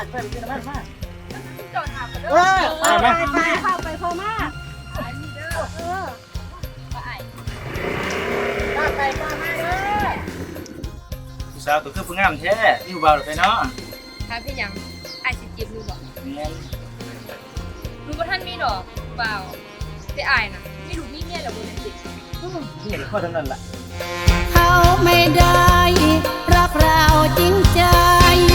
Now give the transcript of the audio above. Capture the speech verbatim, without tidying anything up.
ไปกินน้ำมันมาจอดถามกันเด้เอออไปไปเข้าไปพอมากไอ้นี่เด้อเออไปไอ้ป้าไปป้ามาเด้อผู้สาวตัวคือผู้งามแท้นี่ผู้บ่าวไปเนาะถ้าพี่ยังไอ้สิจีบรู้บอกแม่นรู้ว่าท่านมีดอกเปล่าแต่ไอ้น่ะไม่รู้มีเมียแล้วบนนั้นสินี่ข้อทั้งนั้นล่ะเขาไม่ได้รักเราจริงใจ